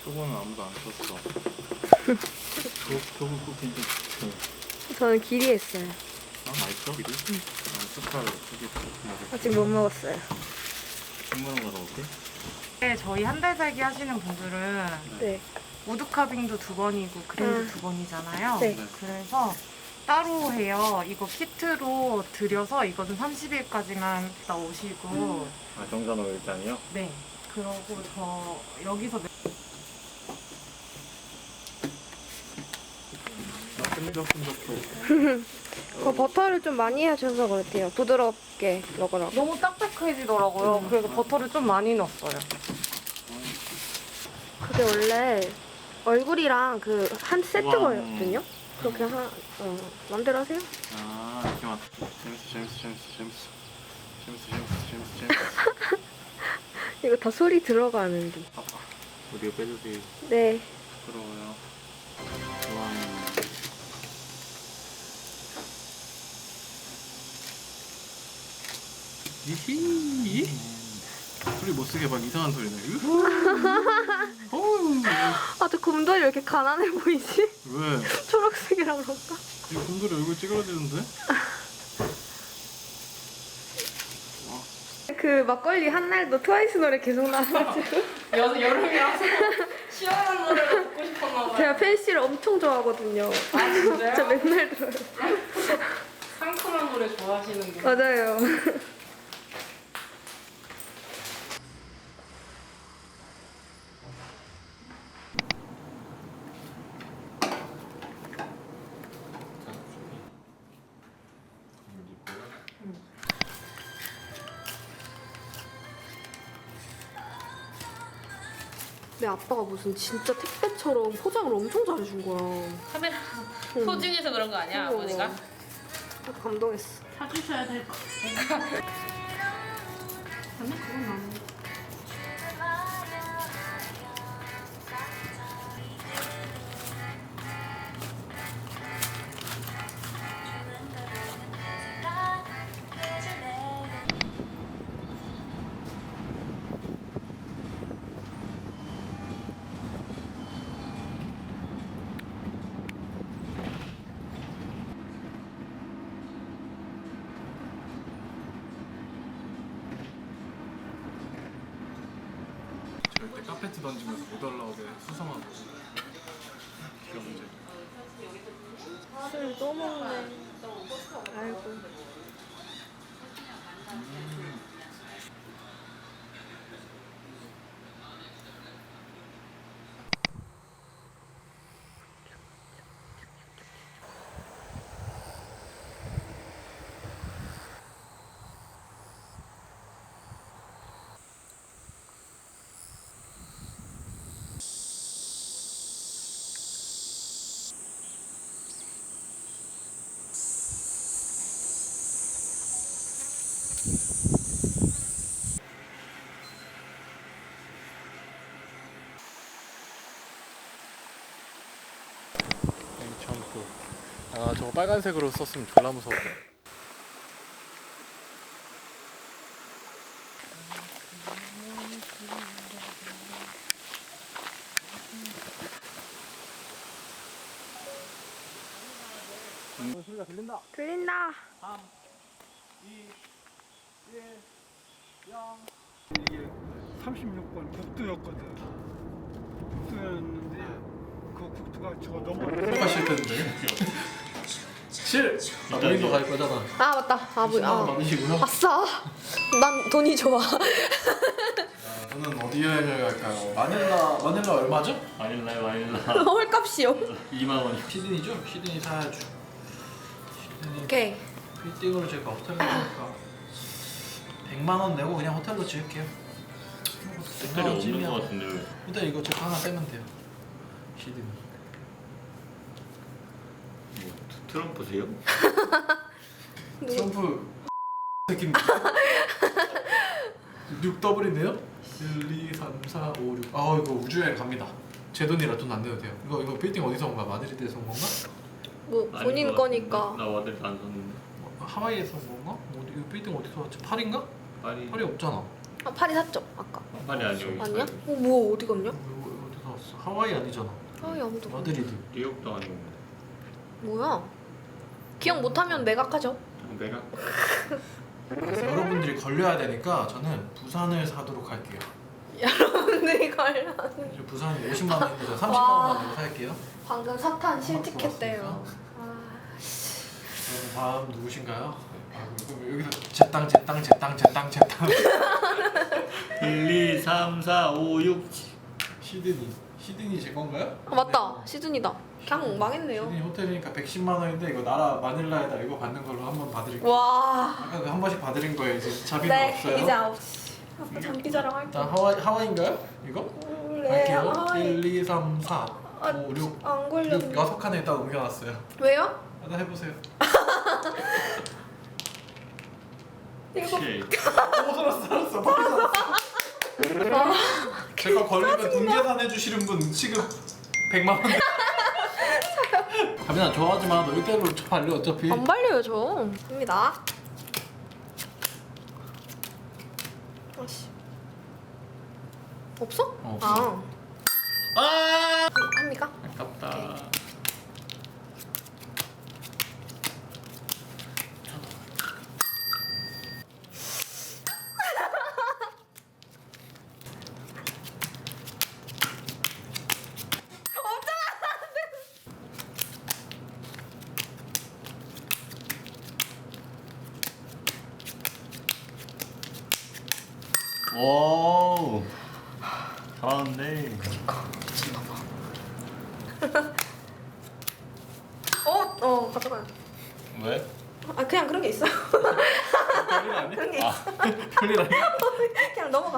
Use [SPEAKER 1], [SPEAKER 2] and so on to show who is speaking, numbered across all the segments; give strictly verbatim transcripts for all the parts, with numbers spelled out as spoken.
[SPEAKER 1] 저거는 아무도 안 썼어. 저, 저거 꼭 괜찮지?
[SPEAKER 2] 저는 길이 했어요.
[SPEAKER 1] 아, 맛있어? 길이? 응. 아, 숟갈 두개 먹을게.
[SPEAKER 2] 아직 못 먹었어요.
[SPEAKER 1] 국물은 가서 올게.
[SPEAKER 3] 네, 저희 한 달 살기 하시는 분들은
[SPEAKER 2] 네.
[SPEAKER 3] 우드카빙도 두 번이고 크림도
[SPEAKER 2] 음.
[SPEAKER 3] 두 번이잖아요.
[SPEAKER 2] 네.
[SPEAKER 3] 그래서 따로 해요. 이거 키트로 드려서 이거는 삼십 일까지만 나오시고
[SPEAKER 2] 음.
[SPEAKER 1] 아, 정산호 일단이요?
[SPEAKER 3] 네. 그러고 저 여기서
[SPEAKER 1] 아, 끈적끈적해.
[SPEAKER 2] 그 버터를 좀 많이 하셔서 그렇대요. 부드럽게 먹으라고.
[SPEAKER 3] 너무 딱딱해지더라고요.
[SPEAKER 2] 음.
[SPEAKER 3] 그래서 버터를 좀 많이 넣었어요.
[SPEAKER 2] 그게 원래 얼굴이랑 그 한 세트거든요.
[SPEAKER 1] 우와.
[SPEAKER 2] 그렇게 하, 어, 맘대로 하세요.
[SPEAKER 1] 아, 이렇게 막 재밌어, 재밌어, 재밌어, 재밌어. 재밌어, 재밌어, 재밌어, 재밌어.
[SPEAKER 2] 이거 다 소리 들어가는데.
[SPEAKER 1] 아빠, 우리가 빼주세요.
[SPEAKER 2] 네.
[SPEAKER 1] 부러워요. 와. 이히. 소리 못 쓰게 막 이상한 소리 나. 어우.
[SPEAKER 2] 아, 저 곰돌이 왜 이렇게 가난해 보이지?
[SPEAKER 1] 왜?
[SPEAKER 2] 초록색이라 그런가?
[SPEAKER 1] 이 곰돌이 얼굴 찌그러지는데?
[SPEAKER 2] 그 막걸리 한 날도 트와이스 노래 계속 나와가지고
[SPEAKER 3] 여, 여름이라서 시원한 노래를 듣고 싶었나 봐요.
[SPEAKER 2] 제가 팬씨를 엄청 좋아하거든요.
[SPEAKER 3] 아, 진짜요?
[SPEAKER 2] 진짜 맨날 들어요.
[SPEAKER 3] 상큼한 노래 좋아하시는구나.
[SPEAKER 2] 맞아요. 내 아빠가 무슨 진짜 택배처럼 포장을 엄청 잘해준 거야.
[SPEAKER 4] 카메라
[SPEAKER 2] 응.
[SPEAKER 4] 소중해서 그런 거 아니야,
[SPEAKER 2] 어머.
[SPEAKER 4] 아버지가?
[SPEAKER 2] 감동했어.
[SPEAKER 4] 사주셔야 될 거.
[SPEAKER 2] 근데 그건 안 해.
[SPEAKER 1] 절대 카페트 던지면서 못 올라오게 수성하고. 귀여운지.
[SPEAKER 2] 술 또 먹네. 아이고.
[SPEAKER 1] 괜찮고. 아, 저거 빨간색으로 썼으면 졸라 무서워. 음. 소리가 들린다.
[SPEAKER 2] 들린다.
[SPEAKER 1] 삼, 이, 일, 영.
[SPEAKER 5] 이게 삼십육 번 국도였거든. 국도였는데 그 국도가 저 넘어.
[SPEAKER 1] 뭐가 실패인데? 칠! 아, 본인도 갈 거잖아.
[SPEAKER 2] 아 맞다. 아 뭐.
[SPEAKER 1] 십만 원
[SPEAKER 2] 아.
[SPEAKER 1] 받으시고요.
[SPEAKER 2] 아싸. 난 돈이 좋아.
[SPEAKER 1] 아, 저는 어디 여행을 갈까요? 마닐라, 마닐라 얼마죠?
[SPEAKER 6] 마닐라요 마닐라
[SPEAKER 2] 헐값이요.
[SPEAKER 6] 이만 원.
[SPEAKER 1] 시드니죠? 시드니 사야죠. 시드니
[SPEAKER 2] 오케이.
[SPEAKER 1] 빌딩으로 제가 호텔로 가니까 백만 원 내고 그냥 호텔로 지을게요.
[SPEAKER 6] 색깔이 없는 것 같은데 왜?
[SPEAKER 1] 일단 이거 제거 하나 빼면 돼요. 시드니.
[SPEAKER 6] 뭐 트- 트럼프세요?
[SPEAKER 1] 트럼프 새끼입니다. 육 더블인데요? 일, 이, 삼, 사, 오, 육. 아 이거 우주여행 갑니다. 제 돈이라 돈 안 내도 돼요. 이거 이거 빌딩 어디서 온 거야? 마드리드에서 온 건가?
[SPEAKER 2] 뭐
[SPEAKER 6] 아닌
[SPEAKER 2] 본인
[SPEAKER 6] 것
[SPEAKER 2] 거니까.
[SPEAKER 6] 같은데? 나 와들 안 샀는데.
[SPEAKER 1] 뭐, 하와이에서 온 건가? 뭐, 이거 빌딩 어디서 왔지? 파리인가?
[SPEAKER 6] 파리
[SPEAKER 1] 파리 없잖아.
[SPEAKER 2] 아 파리 샀죠 아까.
[SPEAKER 6] 파리 아니요.
[SPEAKER 2] 아니야? 어 뭐 어디 갔냐?
[SPEAKER 1] 이거 어디서 갔어? 하와이 아니잖아.
[SPEAKER 2] 아이 아무도 몰라.
[SPEAKER 1] 마드리드.
[SPEAKER 6] 뉴욕도 아니고
[SPEAKER 2] 뭐야? 기억 못하면 매각하죠.
[SPEAKER 6] 내가
[SPEAKER 1] 그래서 여러분들이 걸려야 되니까 저는 부산을 사도록 할게요.
[SPEAKER 2] 여러분들이 관련
[SPEAKER 1] 이제 부산이 오십만 원인데 저 삼십만
[SPEAKER 2] 와.
[SPEAKER 1] 원만 내고 살게요.
[SPEAKER 2] 방금 사탄 실직했대요. 아,
[SPEAKER 1] 그럼 다음 누구신가요? 아, 그럼 여기서 제 땅, 제 땅, 제 땅, 제 땅, 제 땅.
[SPEAKER 6] 일, 이, 삼, 사, 오, 육
[SPEAKER 1] 시드니. 시드니 제 건가요?
[SPEAKER 2] 아 맞다 시즌이다. 그냥 망했네요.
[SPEAKER 1] 시드니 호텔이니까 백십만 원인데 이거 나라 마닐라에다 이거 받는 걸로 한번 봐드릴게요.
[SPEAKER 2] 와.
[SPEAKER 1] 아까 그 한 번씩 봐드린 거예요. 이제 자비는
[SPEAKER 2] 네
[SPEAKER 1] 없어요.
[SPEAKER 2] 이제 아홉 시. 아빠 장기 자랑 할게.
[SPEAKER 1] 일단 하와이 하와이인가요? 이거?
[SPEAKER 2] 네
[SPEAKER 1] 할게요.
[SPEAKER 2] 하와이.
[SPEAKER 1] 일, 이, 삼, 사,
[SPEAKER 2] 아,
[SPEAKER 1] 오, 육,
[SPEAKER 2] 안 걸렸네.
[SPEAKER 1] 육 여섯 칸에 일단 옮겨놨어요.
[SPEAKER 2] 왜요?
[SPEAKER 1] 하나 해보세요.
[SPEAKER 2] 이거
[SPEAKER 6] 칠
[SPEAKER 1] 오 살았어 살았어 빨리 살았어. 제가 걸리면 돈 계산해 주시는 분 지금 백만 원. 가빈아 좋아하지 마. 너 이대로 저 발려 어차피.
[SPEAKER 2] 안 발려요 저. 입니다. 아씨. 없어?
[SPEAKER 1] 어, 없어.
[SPEAKER 2] 아.
[SPEAKER 1] 아
[SPEAKER 2] 합니까?
[SPEAKER 6] 아깝다. 오 잘하는데.
[SPEAKER 2] 어? 어 가져가요.
[SPEAKER 6] 왜?
[SPEAKER 2] 아 그냥 그런 게 있어요.
[SPEAKER 1] 별일 아니야?
[SPEAKER 2] 그런 게 있어.
[SPEAKER 1] 별일 아니야?
[SPEAKER 2] 그냥 넘어가.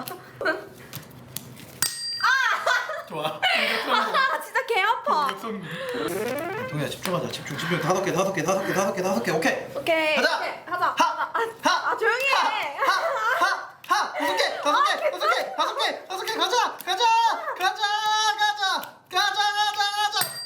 [SPEAKER 1] 좋아.
[SPEAKER 2] 아 진짜 개 아파.
[SPEAKER 1] 동현아 집중하자. 집중 집중. 다섯 개 다섯 개 다섯 개 다섯 개 다섯 개 오케이.
[SPEAKER 2] 오케이.
[SPEAKER 1] 가자!
[SPEAKER 2] 오케이, 하자.
[SPEAKER 1] 하!
[SPEAKER 2] 하자. 아, 아 조용히 해.
[SPEAKER 1] 하! 다섯 개 다섯 개 다섯 개 다섯 개 다섯 개 가자 가자 가자 가자 가자 가자 가자.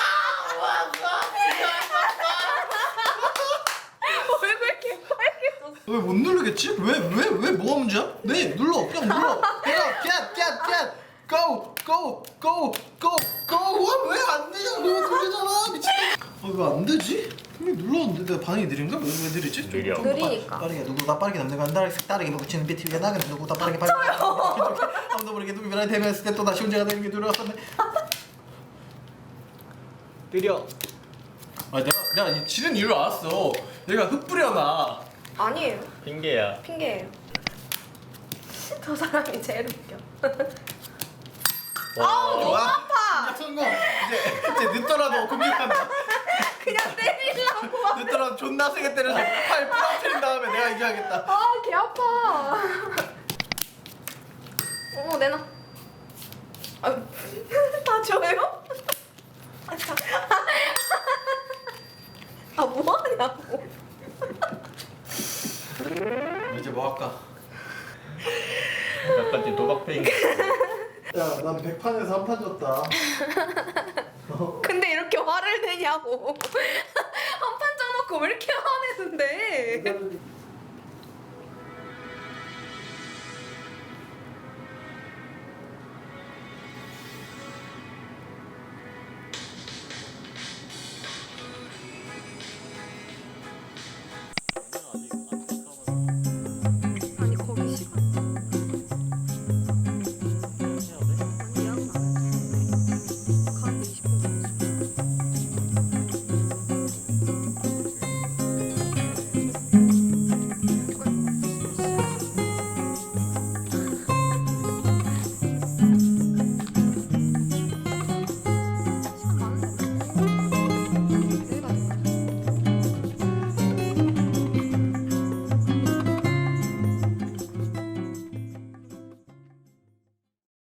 [SPEAKER 2] 얼굴 개 빨개졌어.
[SPEAKER 1] 왜 못 누르겠지? 왜 왜 왜 뭐가 문제야? 네 눌러 그냥 눌러. 내가 get get get go go go go go. 왜안 되냐? 너 누르잖아 미친. 아왜안 되지? 분명히 눌렀는데 내가 반응이 느린가? 왜, 왜 느리지? 좀-
[SPEAKER 6] 느려.
[SPEAKER 1] 좀 더 빠-
[SPEAKER 2] 느리니까.
[SPEAKER 1] 빠르게 누구보다 빠르게 남는 건 빠르게 빠르게 묻히는 비트위에 나그네 누구보다 빠르게 빠르게 아무도 모르게 누구 변화에 대면했을 때 또 다시 혼자가 되는 게 두려웠었네. 느려. 아 내가 내가 이 지는 이유를 알았어. 얘가 흩뿌려놔.
[SPEAKER 2] 아니에요.
[SPEAKER 6] 핑계야.
[SPEAKER 2] 핑계예요. 저 사람이 제일 웃겨.
[SPEAKER 6] 와.
[SPEAKER 2] 아우 너무 아파.
[SPEAKER 1] 시작 성공. 이제 이제 늦더라도 공격한다.
[SPEAKER 2] 그냥 때리려고.
[SPEAKER 1] 늦더라도 존나 세게 때려서 팔 부러뜨린 다음에 내가 이겨야겠다.
[SPEAKER 2] 아 개 아파. 어 내놔. 아유 다 줘요? 아, 참. 아 뭐하냐고.
[SPEAKER 1] 이제 뭐 할까?
[SPEAKER 6] 약간 지금 도박페인.
[SPEAKER 1] 야, 난 백판에서 한 판 졌다.
[SPEAKER 2] 근데 이렇게 화를 내냐고. 한 판 짜놓고 왜 이렇게 화내는데?